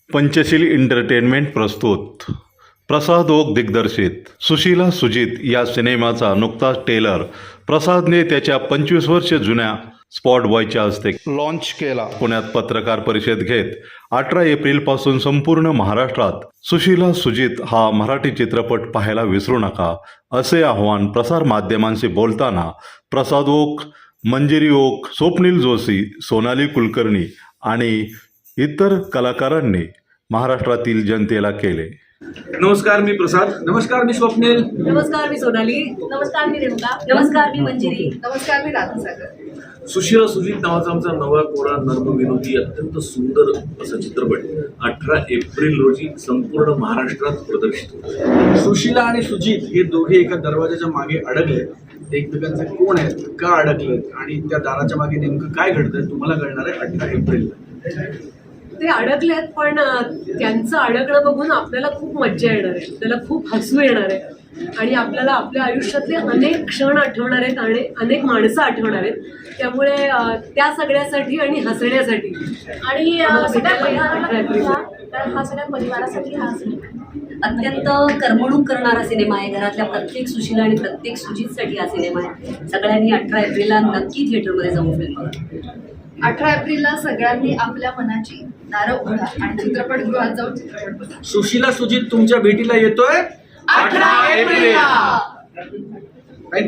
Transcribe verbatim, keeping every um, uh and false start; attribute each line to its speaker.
Speaker 1: Panchsheel entertainment प्रस्तुत प्रसाद okay दिग्दर्शित सुशीला सुजित या सिनेमाचा नुकताच ट्रेलर प्रसादने त्याच्या पंचवीस वर्ष जुन्या स्पॉट बॉयच्या हस्ते लॉन्च केला. पुण्यात पत्रकार परिषद घेत अठरा एप्रिल पासून संपूर्ण महाराष्ट्रात सुशीला सुजित हा मराठी चित्रपट पाहायला विसरू नका असे आवाहन प्रसार माध्यमांशी बोलताना प्रसाद ओक, मंजिरी ओक, स्वप्नील जोशी, सोनाली कुलकर्णी आणि इतर कलाकारांनी महाराष्ट्रातील जनतेला केले.
Speaker 2: नमस्कार, मी प्रसाद.
Speaker 3: नमस्कार, मी स्वप्नील.
Speaker 4: नमस्कार, मी सोनाली.
Speaker 5: नमस्कार, मी रेणुका.
Speaker 4: नमस्कार, मी मंजिरी.
Speaker 5: नमस्कार, मी राधासागर.
Speaker 2: सुशीला सुजित नावाचा आमचा नवा कोरा नर्म विनोदी अत्यंत सुंदर असा चित्रपट अठरा एप्रिल रोजी संपूर्ण महाराष्ट्रात प्रदर्शित होतो.
Speaker 3: सुशीला आणि सुजित हे दोघे एका दरवाजाच्या मागे अडकले. एकमेकांचे कोण आहेत, का अडकलेत आणि त्या दाराच्या मागे नेमकं काय घडतंय तुम्हाला कळणार आहे अठरा एप्रिलला.
Speaker 4: ते अडकलेत, पण त्यांचं अडकणं बघून आपल्याला खूप मज्जा येणार आहे, त्याला खूप हसू येणार आहे आणि आपल्याला आपल्या आयुष्यातले अनेक क्षण आठवणार आहेत आणि अनेक माणसं आठवणार आहेत. त्यामुळे त्या सगळ्यासाठी आणि हसण्यासाठी
Speaker 5: आणि
Speaker 4: आम्हाला
Speaker 5: सगळ्या
Speaker 4: भेटायला
Speaker 5: परिवाराला तर हा सगळ्या परिवारासाठी हा सिनेमा
Speaker 6: अत्यंत करमणूक करणारा सिनेमा आहे. घरातल्या प्रत्येक सुशीला आणि प्रत्येक सुजितसाठी हा सिनेमा आहे. सगळ्यांनी अठरा एप्रिलला नक्की थिएटरमध्ये जाऊन फिल्म बघा.
Speaker 5: अठरा एप्रिलला सगळ्यांनी आपल्या मनाची दारं उघडा आणि चित्रपटगृहात जाऊन चित्रपट बघा.
Speaker 3: सुशीला सुजित तुमच्या भेटीला येतोय
Speaker 5: अठरा एप्रिलला.